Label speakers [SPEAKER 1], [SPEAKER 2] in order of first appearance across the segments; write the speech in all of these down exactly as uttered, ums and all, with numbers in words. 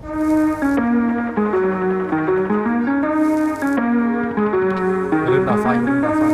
[SPEAKER 1] อย่าลืมดับไฟอย่าลืมดับไฟ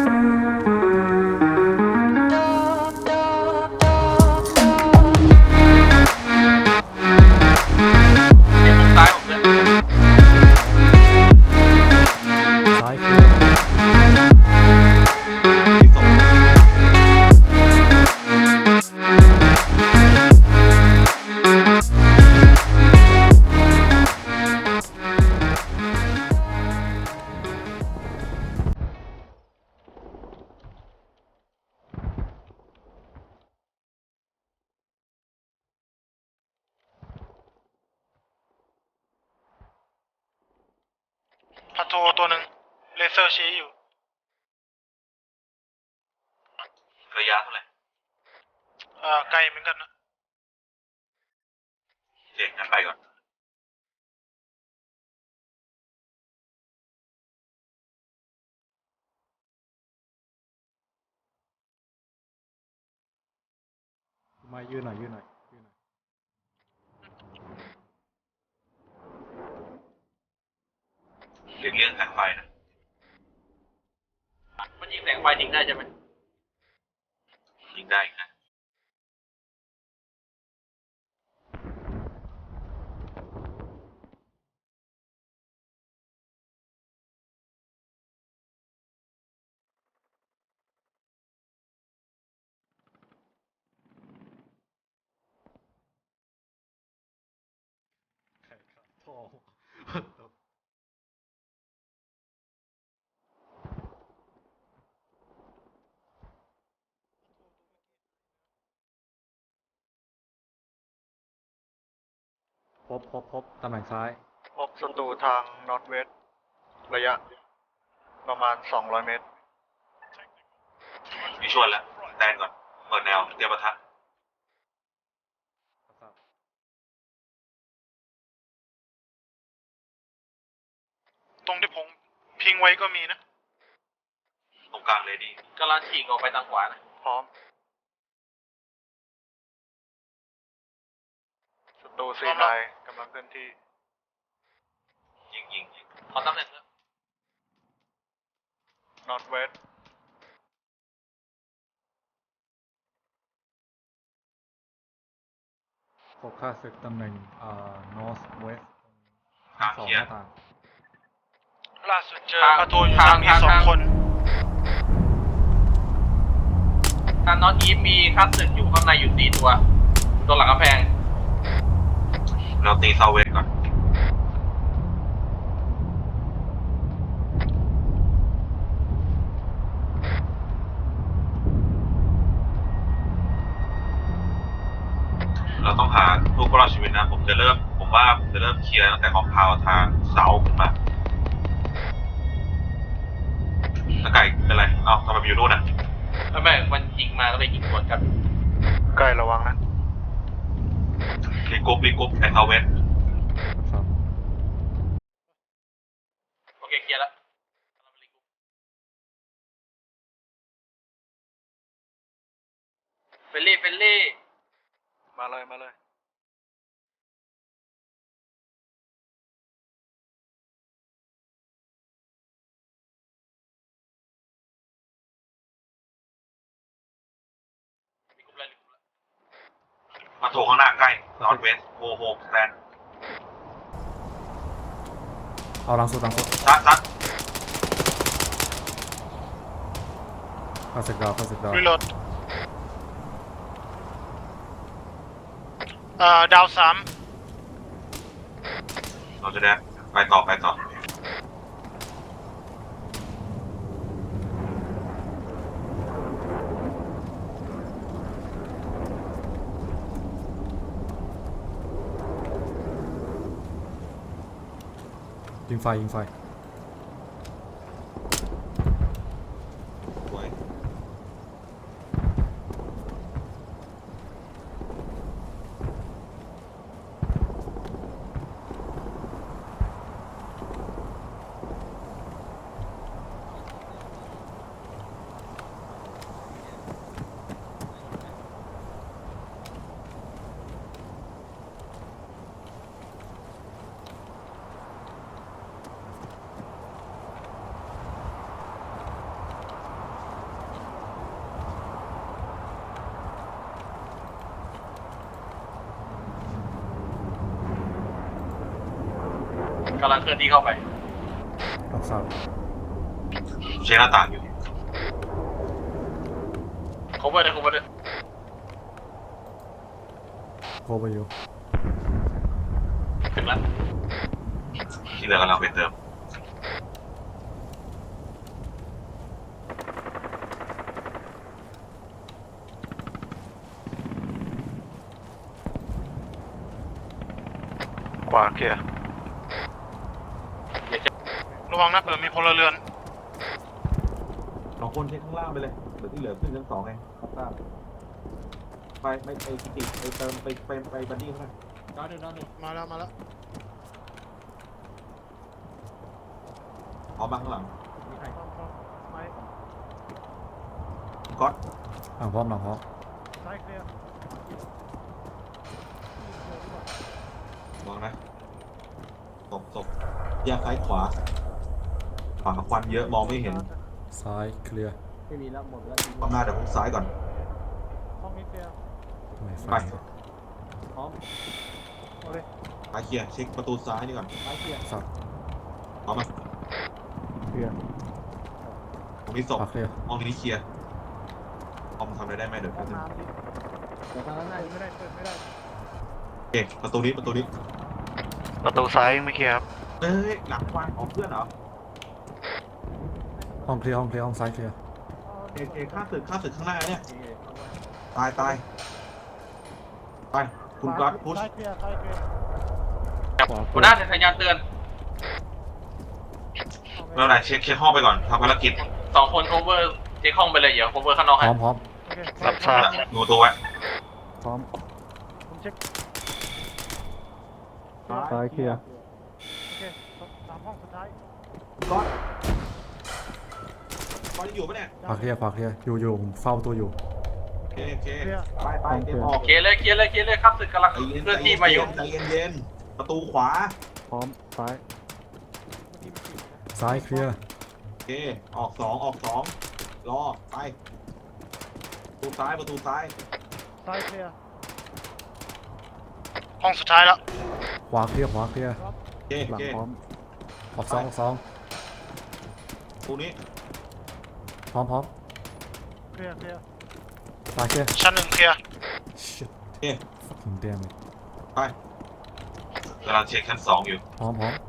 [SPEAKER 2] เดี๋ยวมุมซ้ายผมเลย
[SPEAKER 1] ซ้ายคือที่สอง
[SPEAKER 3] พัทโทตัวหนึ่งเลเซอร์ชี้อยู่
[SPEAKER 2] ระยะเท่าไหร่
[SPEAKER 3] อ่าไกลเหมือนกันนะ
[SPEAKER 2] เจ๋งงั้นไปก่อน
[SPEAKER 1] มายืนหน่อยยืนหน่อยยืนหน่อย
[SPEAKER 2] เรียกเรื่องแสงไฟนะมันยิงแสงไฟยิงได้ใช่ไหมยิงได้นะ
[SPEAKER 1] แข่งขันทองพบพบพบตำแหน่งซ้าย
[SPEAKER 3] พบศัตรูทางนอร์ทเวสระยะประมาณสองร้อยเมตร
[SPEAKER 2] มีชวนแล้วแตนก่อนเปิดแนวเตรียมปะทะ
[SPEAKER 3] ตรงที่ผมพิงไว้ก็มีนะ
[SPEAKER 2] ตรงกลางเลยดีกำลังฉีกออกไปทางขวานะ
[SPEAKER 3] พร้อมศัตรูซีไนกำลังเคลื่อนที่
[SPEAKER 2] ยิงยิงยิงขอตำแหน่งเถอะ
[SPEAKER 3] นอร์ทเวส
[SPEAKER 1] พบค่าศึกตำแหน่งอ่า north west
[SPEAKER 2] กลาง
[SPEAKER 1] สอง
[SPEAKER 2] เขีย
[SPEAKER 1] หน้าต่าง
[SPEAKER 3] ล่าสุดเจอพัทโทอยู่ทางนี้สองคน
[SPEAKER 2] ทางนอตอีฟมีคัสสึอยู่ข้างในอยู่สี่ตัวตัวหลังกำแพงเราตีเซาเวสก่อนเราต้องหาผู้รอดชีวิตนะผมจะเริ่มผมว่าผมจะเริ่มเคลียร์ตั้งแต่คอมพาวทางเสาขึ้นมาตะไก่เป็นไรเอ้าทำไมไปอยู่นู่นอ่ะไม่ไม่มันยิงมาก็เลยยิงสวนกัน
[SPEAKER 3] ใกล้ระวังนะ
[SPEAKER 2] รีกรุ๊ปรีกรุ๊ปไอเซาเวส
[SPEAKER 1] ครับ
[SPEAKER 2] โอเคเคลียร์แล้วเฟลลี่เฟลลี่
[SPEAKER 3] มาเลยมาเลย
[SPEAKER 2] มาโถข้างหน้าใกล้นอร์ทเวสโฮโฮสแตน
[SPEAKER 1] เอาหลังสุดหลังสุด
[SPEAKER 2] ซัดซัด
[SPEAKER 1] ค่าศึกดาวค่าศึกดาว
[SPEAKER 3] รีโหลดเอ่อดาวสาม
[SPEAKER 2] เราจะได้ไปต่อไปต่อ
[SPEAKER 1] ยิงไฟยิงไฟ
[SPEAKER 2] ไว้กำลังเคลื่อนที่เข้าไป
[SPEAKER 1] รับทราบ
[SPEAKER 2] เช็คหน้าต่างอยู่ cover เลย cover เลย
[SPEAKER 1] โคไปอยู่
[SPEAKER 2] ถึงแล้วที่เหลือกำลังไปเติม
[SPEAKER 3] ขวาเคลียร์
[SPEAKER 4] ระวังนะเผื่อมีพลเรือน
[SPEAKER 5] สองคนเช็คข้างล่างไปเลยเหลือที่เหลือขึ้นชั้นสองไงครับทราบไปไปไปกิติไปเติมไปไปไปบันดี้ข้างล่าง
[SPEAKER 4] มาแล้วมาแล้ว
[SPEAKER 5] ออกมาข้างหลัง
[SPEAKER 4] ไป
[SPEAKER 5] ก๊อต
[SPEAKER 1] หลังพร้อมหลังพร้อม
[SPEAKER 4] ซ้ายเคลียร์
[SPEAKER 5] มองนะศพศพแยกซ้ายขวาขวาควันเยอะมองไม่เห็น
[SPEAKER 1] ซ้ายเคลียร์
[SPEAKER 5] ข้างหน้าเดี๋ยวพุ่งซ้ายก่อน
[SPEAKER 4] ห้องนี้เคลียร์
[SPEAKER 1] ไม่ไฟ
[SPEAKER 5] ไป
[SPEAKER 4] พร้อมเอาเลย
[SPEAKER 5] ไปเคลียร์เช็คประตูซ้ายนี่ก่อน
[SPEAKER 4] ซ้ายเคลียร์
[SPEAKER 1] สับ
[SPEAKER 5] เอามา
[SPEAKER 4] เคลียร์
[SPEAKER 5] ตรงนี้ศพ
[SPEAKER 1] ขวาเคลียร์
[SPEAKER 5] ห้องนี้เคลียร์คอมทำอะไรได้ไหมเดี๋ยว
[SPEAKER 4] ห้
[SPEAKER 5] แป๊
[SPEAKER 4] อบ ง
[SPEAKER 5] นึง
[SPEAKER 4] น้ำดิเดี๋ยวทางนั้นได้ไม่ได้เปิดไม่ได้
[SPEAKER 5] โอเคประตูนี้ประตูนี้
[SPEAKER 3] ประตูซ้ายยังไม่เคลียร์ครับ
[SPEAKER 5] เอ้ยหลังควันของเพื่อนเหรอ
[SPEAKER 1] ห้องเคลียร์ห้องเคลียร์ห้องซ้ายเคลียร์
[SPEAKER 5] เอเอข้าศึกข้าศึกข้างหน้าเนี่ยตายตายไปคุณก๊อตพุช
[SPEAKER 4] ซ้ายเคลียร์ซ้ายเคลียร์
[SPEAKER 2] หัวหน้าสัญญาณเตือนไม่เป็นไรเช็คเช็คห้องไปก่อนทำภารกิจสองคน cover เช็คห้องไปเลยเดี๋ยว cover ข้างนอก
[SPEAKER 1] พ
[SPEAKER 2] ให้
[SPEAKER 1] ร้อมพร้อม
[SPEAKER 4] โอเค
[SPEAKER 3] รับทราบ
[SPEAKER 2] ดูตัวไว้
[SPEAKER 1] พร้อม
[SPEAKER 4] ผมเช็ค
[SPEAKER 1] ซ้ายเคลียร์
[SPEAKER 4] โอเคสามห้องสุดท้าย
[SPEAKER 5] ก๊อตก๊อตยังอยู่ปะเนี่ย
[SPEAKER 1] ขวาเคลียร์ขวาเคลียร์อยู่อยู่ผมเฝ้าประตัวอยู่
[SPEAKER 5] โอเคโอเค
[SPEAKER 4] เคลียร์
[SPEAKER 5] ไปไปเตรียมออก
[SPEAKER 2] เคลียร์เลยเคลียร์เลยเคลียร์เลยครับศึกกำลัง
[SPEAKER 5] ใจเย็น
[SPEAKER 2] เคลื่อนที่มาอยู่
[SPEAKER 5] ใจเย็นเย็นประตูขวา
[SPEAKER 1] พร้อมซ้าย
[SPEAKER 4] เมื่อกี้มันติดนะ
[SPEAKER 1] ซ้ายเคลียร์
[SPEAKER 5] โอเคออกสองออกสองรอไปประตูซ้ายประตูซ้าย
[SPEAKER 4] ซ้ายเคลียร์
[SPEAKER 3] ห้องสุดท้ายแล้ว
[SPEAKER 1] ขวาเคลียร์ขวาเคลียร์
[SPEAKER 5] โอเคโอเค
[SPEAKER 1] ออกสองออกสอง
[SPEAKER 5] ประตูนี้
[SPEAKER 1] พร้อมพร้อม
[SPEAKER 4] เคลียร์เคลียร์
[SPEAKER 1] ซ้ายเคลียร์
[SPEAKER 3] ชั้นหนึ่งเคลียร์
[SPEAKER 1] shit
[SPEAKER 5] โอเค
[SPEAKER 1] fucking damn it
[SPEAKER 5] ไป
[SPEAKER 2] กำลังเช็คชั้นสองอยู่
[SPEAKER 1] พร้อมพร้อม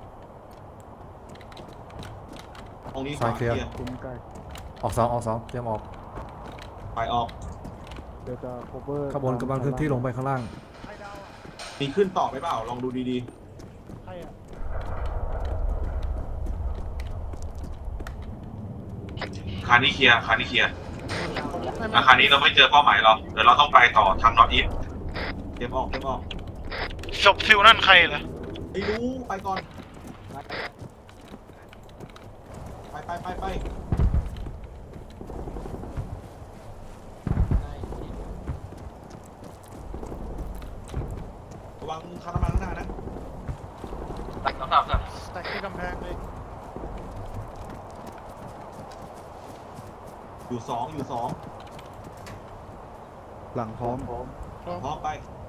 [SPEAKER 5] ห้องนี้
[SPEAKER 1] ซ้ายเคลียร์
[SPEAKER 5] ขว
[SPEAKER 1] คุ้มใกล้ออกสองออกสองเตรียมออก
[SPEAKER 5] ไปออก
[SPEAKER 1] ขบวนกำลังเคลื่อนที่ลงไปข้างล่าง
[SPEAKER 4] ใครดาวอ่ะ
[SPEAKER 5] มีขึ้นต่อไปเปล่าลองดูดี
[SPEAKER 4] ใครอ่ะ
[SPEAKER 2] คานี้เคลียร์คานี้เคลียร์อาคารนี้เราไม่เจอเป้าหมายหรอกเดี๋ยวเราต้องไปต่อทางนอร์ทอีส
[SPEAKER 5] ๆเตรียมออกเตรียมออก
[SPEAKER 3] ศพซิลนั่นใครเหรอ
[SPEAKER 5] ไม่รู้ไปก่อนไปไปไปไประวังคาร์น้ำมันข้างหน้านะ
[SPEAKER 2] ครับครับครับ
[SPEAKER 4] สแต็กที่กำแพงเลย
[SPEAKER 5] อยู่สองอยู่สอง
[SPEAKER 1] หลังพร้อม
[SPEAKER 5] พร้อมไป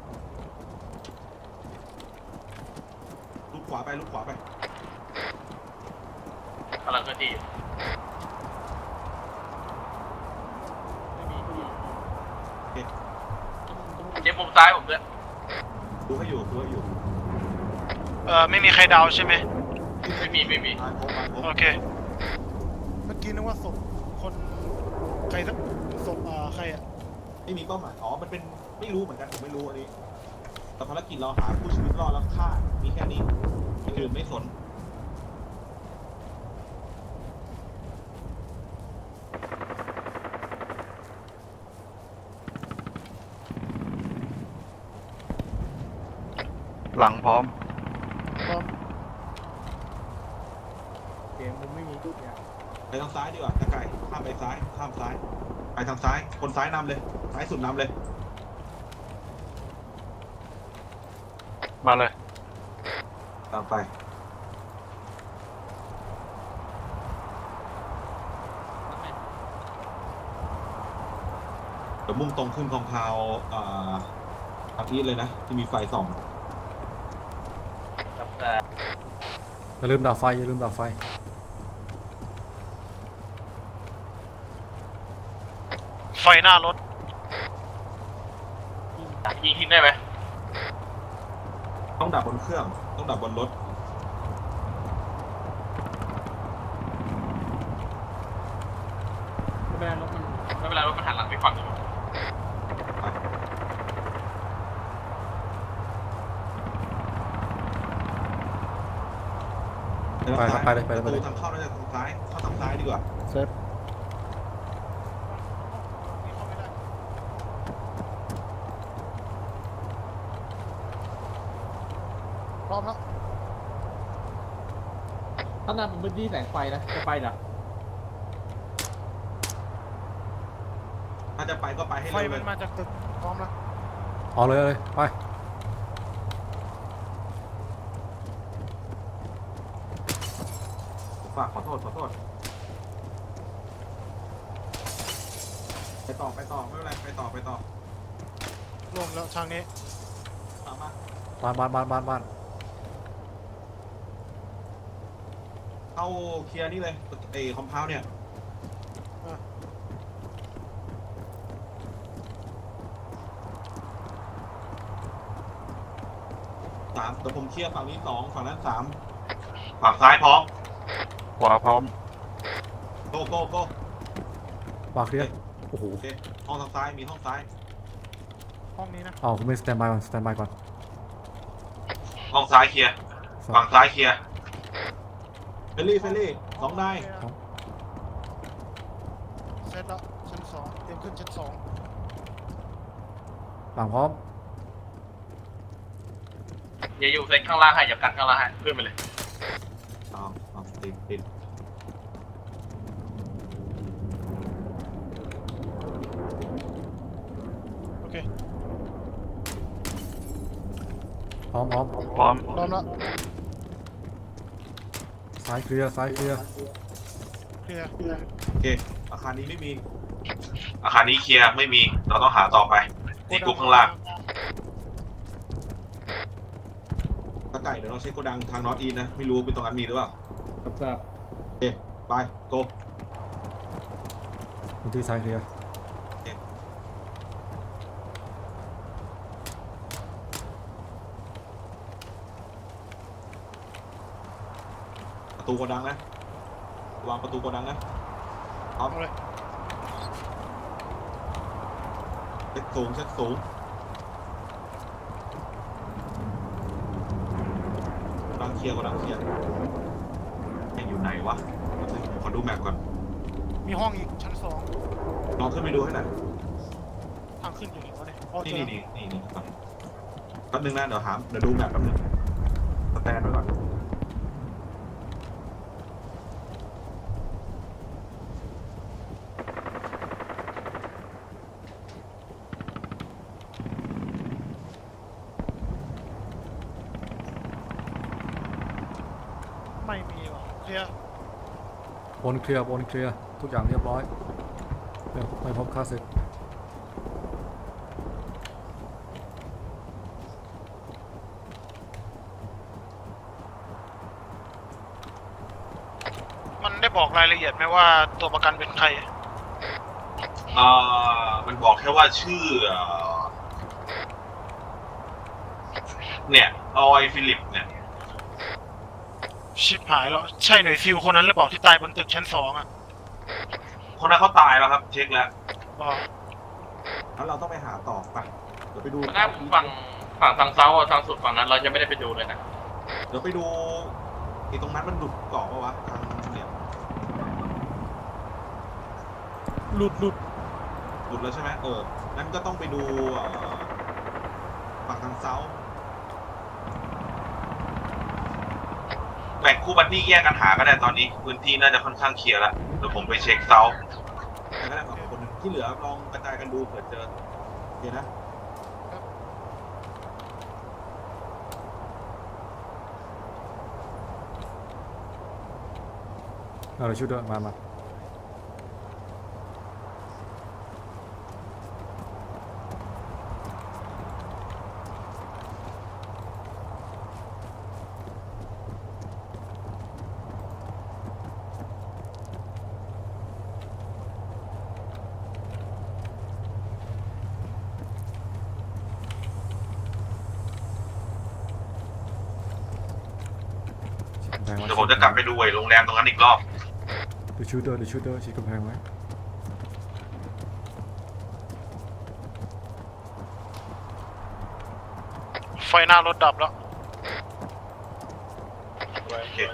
[SPEAKER 5] ลุกขวาไปลุกขวาไป
[SPEAKER 2] กำลังเคลื่อนที่อยู่
[SPEAKER 4] ไม่มีไม่มี
[SPEAKER 2] เช็คมุมซ้ายผมด้วย
[SPEAKER 5] ดูให้อยู่ดูให้อยู่
[SPEAKER 3] เอ่อไม่มีใครดาวใช่ไหม
[SPEAKER 2] ไม่มีไม่มี
[SPEAKER 5] ตายครบตายครบ
[SPEAKER 3] โอเค
[SPEAKER 4] เมื่อกี้นึกว่าศพคนใครสักศพอ่าใครอ่ะ
[SPEAKER 5] ไม่มีเป้าหมายอ๋อมันเป็นไม่รู้เหมือนกันผมไม่รู้อันนี้แต่ภารกิจเราหาผู้ชีวิตรอดแล้วฆ่ามีแค่นี้คนอื่นไม่สนหลังพร้อม
[SPEAKER 4] พร้อมเกมผมไม่มีทุกอย่าง
[SPEAKER 5] ไปทางซ้ายดีกว่าตะไก่ข้ามไปซ้ายข้ามซ้าย ไปทางซ้ายคนซ้ายนำเลยซ้ายสุดนำเลย
[SPEAKER 3] มาเลย
[SPEAKER 5] ตามไปเดี๋ยวมุ่งตรงขึ้นคลองพาวอ่าอาทิตย์เลยนะที่มีไฟส่อง
[SPEAKER 2] ครับแต่
[SPEAKER 1] อย่าลืมดับไฟอย่าลืมดับไฟ
[SPEAKER 4] ไฟหน้ารถ
[SPEAKER 2] ยิงทิ้งได้ไหม
[SPEAKER 5] ต้องดับบนเครื่อง ต้องดับบนรถ
[SPEAKER 2] ไม่เป็นไรรถมันไม่เป็นไรรถมันหันหลังไปฝั่งอยู่
[SPEAKER 1] ไปครับไปเลยไปเลยไปเลย
[SPEAKER 5] ทางเข้าน่าจะทางซ้ายเข้าทางซ้ายดีกว่า
[SPEAKER 1] เซฟ
[SPEAKER 4] เข้าไม่ได้พร้อมแล้ว
[SPEAKER 6] ถ้านั่นเป็นพื้นที่แสงไฟนะ จะไปเหรอ
[SPEAKER 5] ถ้าจะไปก็ไปให้
[SPEAKER 4] ไฟ
[SPEAKER 5] เร็วเล
[SPEAKER 4] มัน
[SPEAKER 5] ย
[SPEAKER 4] มาจากตึกพร้อมแล้ว
[SPEAKER 1] เอาเลยเลยไป
[SPEAKER 5] ฝากขอโทษขอโทษ ไปต่อไปต่อไม่เป็นไรไปต่อไปต่อ
[SPEAKER 4] ลงแล้วทางนี้
[SPEAKER 5] ตามมา
[SPEAKER 1] บ้านบ้านบ้านบ้านบ้าน
[SPEAKER 5] เข้าเคลียร์นี่เลยไอ้คอมเพลเนี่ย
[SPEAKER 4] อ่ะ
[SPEAKER 5] สามแต่ผมเคลียร์ฝั่งนี้สองฝั่งนั้นสามฝั่งซ้ายพร้อม
[SPEAKER 3] ขวาพร้อม
[SPEAKER 5] โก้โก้โก้
[SPEAKER 1] วางเคลียร์โอ้โห
[SPEAKER 5] โอเคห้องทางซ้ายมีห้องซ้าย
[SPEAKER 4] ห้องนี้นะ
[SPEAKER 1] เอาคุณไม่สแตนบายก่อนสแตนบายก่อน
[SPEAKER 2] ห้องซ้ายเคลียร์
[SPEAKER 1] สอง
[SPEAKER 2] ฝั่งซ้ายเคลียร์
[SPEAKER 5] เฟลลี่เฟลลี่สองนาย
[SPEAKER 4] เซตแล้วชั้นสองเตรียมขึ้นชั้นสอง
[SPEAKER 1] หลังพร้อม
[SPEAKER 2] อย่าอยู่เซ็ตข้างล่างให้อย่ากันข้างล่างให้ขึ้นไปเลย
[SPEAKER 5] เอาเอาติดติด
[SPEAKER 4] โอเค
[SPEAKER 1] พร้อมพร้อม
[SPEAKER 3] พร้อม
[SPEAKER 4] พร้อมแล้ว
[SPEAKER 1] ซ้ายเคลียร์ซ้ายเคลียร์
[SPEAKER 4] เคลียร์
[SPEAKER 5] โอเคอาคารนี้ไม่มี
[SPEAKER 2] อาคารนี้เคลียร์ไม่มีเราต้องหาต่อไปที่กรุ๊ปข้างล่าง
[SPEAKER 5] ตะไก่เดี๋ยวเราเช็คโกดังทางนอตอีนะไม่รู้เป็นตรงนั้นมีหรือเปล่า
[SPEAKER 6] ครับทราบ
[SPEAKER 5] โอเคไปโก
[SPEAKER 1] พื้นที่ซ้ายเคลียร์
[SPEAKER 5] ประตูโกดังนะวางประตูโกดังนะพร้อม
[SPEAKER 4] เอาเลย
[SPEAKER 5] เช็คสูงเช็คสูงโกดังเคลียร์โกดังเคลียร์ยังอยู่ไหนวะขอดูแมปก่อน
[SPEAKER 4] มีห้องอีกชั้นสอง
[SPEAKER 5] ลองขึ้นไปดูให้หน่อย
[SPEAKER 4] ทางขึ้นอยู่ไหนวะเนี่ยอ๋อเจ
[SPEAKER 5] นี่
[SPEAKER 4] อ
[SPEAKER 5] นี่นี่นี่ก่อนแป๊บนึงนะเดี๋ยวหามเดี๋ยวดูแมปแป๊บนึงสแตนไว้ก่อน
[SPEAKER 4] ไม่มีว่ะเคลียร์
[SPEAKER 1] บนเคลียร์บนเคลียร์ทุกอย่างเรียบร้อยเดี๋ยวไม่พบค่าศึก
[SPEAKER 4] มันได้บอกรายละเอียดไหมว่าตัวประกันเป็นใคร
[SPEAKER 2] เอ่อมันบอกแค่ว่าชื่อเอ่อเนี่ยออยฟิลิปเนี่ย
[SPEAKER 4] ชิบหายแล้ว ใช่หน่วยซิลคนนั้นหรือเปล่าที่ตายบนตึกชั้นสองอ่ะ
[SPEAKER 2] คนนั้นเขาตายแล้วครับ เช็คแล้ว
[SPEAKER 4] บอก
[SPEAKER 5] แล้วเราต้องไปหาต่อไปเดี๋ยวไปดู
[SPEAKER 2] หน้าฝั่งฝั่งทางเซาท์อะทางสุดฝั่งนั้นเราจะไม่ได้ไปดูเลยนะ
[SPEAKER 5] เดี๋ยวไปดูไอ้ตรงนั้นมันหลุดเกาะปะวะทางเนี่ย
[SPEAKER 4] หลุดหลุด
[SPEAKER 5] หลุดแล้วใช่ไหมเออนั้นก็ต้องไปดูเอ่อฝั่งทางเซาท์
[SPEAKER 2] แบ่งคู่บันที่แยกกันหาก็ได้ตอนนี้ พื้นที่น่าจะค่อนข้างเคลียร์แล้วเดี๋ยวผมไปเช็คเซาท์
[SPEAKER 5] แต่ก็ได้ฝั่งคนหนึ่งที่เหลือลองกระจายกันดูเผื่อเจอโอเคนะ
[SPEAKER 1] เอาเลยชุดด้วยมามาำแพงไว้
[SPEAKER 2] เดี๋ยวผมจะกลับไปดูไอ้โรงแรมตรงนั้นอีกรอบ
[SPEAKER 1] เดี๋ยวชูเดอร์เดี๋ยวชูเดอร์ฉีดกำแพงไว้
[SPEAKER 4] ไฟหน้ารถดับแล้ว
[SPEAKER 2] โอเค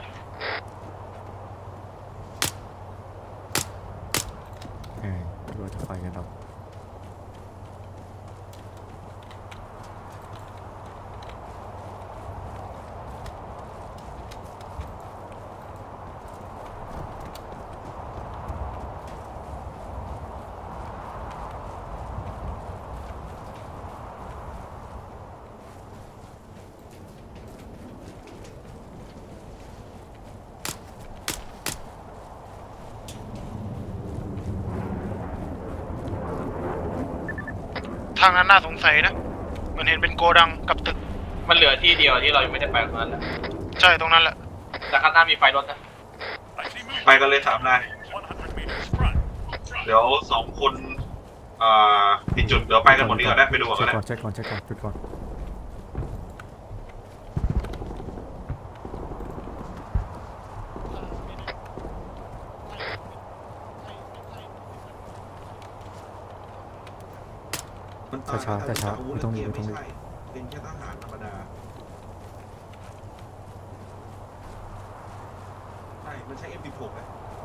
[SPEAKER 1] แหมดูจะไฟกันดับ
[SPEAKER 4] ทางนั้นน่าสงสัยนะเหมือนเห็นเป็นโกดังกับตึก
[SPEAKER 2] มันเหลือที่เดียวที่เรายังไม่ได้ไปตรงนั้นแหละ
[SPEAKER 4] ใช่ตรงนั้นแหละ
[SPEAKER 2] แต่ข้างหน้ามีไฟรถนะ ไปกันเลยสามนายเดี๋ยวสองคนอ่าผิดจุดเดี๋ยวไปกันหมดนี้ก่อนได้ไปดูก่อน
[SPEAKER 1] เช็
[SPEAKER 2] ก็
[SPEAKER 1] ค
[SPEAKER 2] ได้
[SPEAKER 1] ก่อนเช็คก่อนเช็คก่อนจุดก่อน
[SPEAKER 5] มันตาย
[SPEAKER 1] ช้าๆช้าๆ
[SPEAKER 5] อาวุธ
[SPEAKER 1] ไม่ต้องรีบ
[SPEAKER 5] เกีย
[SPEAKER 1] ไม่ต้องรีบ
[SPEAKER 5] ใช่เป็นแค่ทหารธรรมดาใช่มันใช้ เอ็ม สิบหก อะ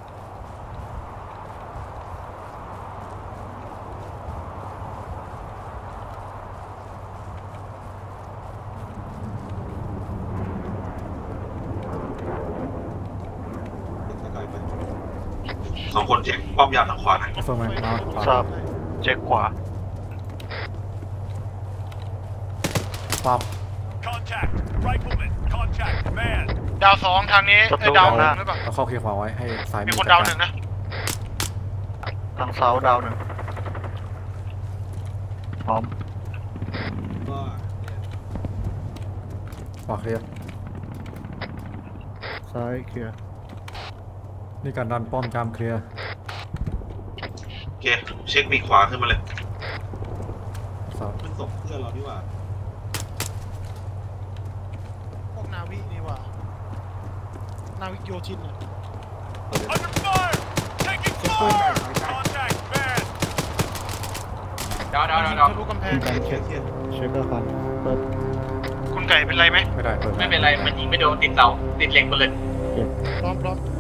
[SPEAKER 2] สองคนเช็คป้อมยามทางขวานะ
[SPEAKER 1] ไอ้เฟิร์มแมนมาขวา
[SPEAKER 3] ทราบเช็คขวา
[SPEAKER 1] ปั๊บ
[SPEAKER 7] Contact! Rifleman! Contact! Man!
[SPEAKER 4] ดาวสองทางนี้
[SPEAKER 3] ศัตรู
[SPEAKER 4] ไอ้ยดาวหนึ่
[SPEAKER 3] ห
[SPEAKER 4] ง
[SPEAKER 3] น้า
[SPEAKER 4] หรือเปล่า
[SPEAKER 1] เราเข้าเคลียร์ขวาไว้ให้ซ้าย
[SPEAKER 4] มี
[SPEAKER 1] อ
[SPEAKER 4] คน
[SPEAKER 1] จั
[SPEAKER 4] ดาว
[SPEAKER 1] กร
[SPEAKER 4] หนึ่งนะ
[SPEAKER 3] ทางเซาดาวหนึ่งพร้อม
[SPEAKER 5] ก็เนี่ย
[SPEAKER 1] ขวาเคลียร์
[SPEAKER 3] ซ้ายเคลียร์
[SPEAKER 1] นี่การดันป้อมจามเคลียร์
[SPEAKER 2] โอเคเช็คปีกขวาขึ้นมาเลย
[SPEAKER 1] สาม
[SPEAKER 5] มันส่งเพื่อนเราดีกว่า
[SPEAKER 4] พวกนาวินี่หว่า นาวิกโยธินอ่ะ
[SPEAKER 7] Under fire! Taking fire! Contact! Man!
[SPEAKER 2] ดาวดาวดาวดาว
[SPEAKER 4] ทะลุกำแพง
[SPEAKER 5] เช็คเช็ค
[SPEAKER 3] เช็คอาคารเปิด
[SPEAKER 4] คุณไก่เป็นไรไหม
[SPEAKER 1] ไม่ได้เปิด
[SPEAKER 2] ไม่เป็นไร มันยิงไม่โดนติดเสาติดเหล็กหมดเลย
[SPEAKER 4] พร้อมพร้อม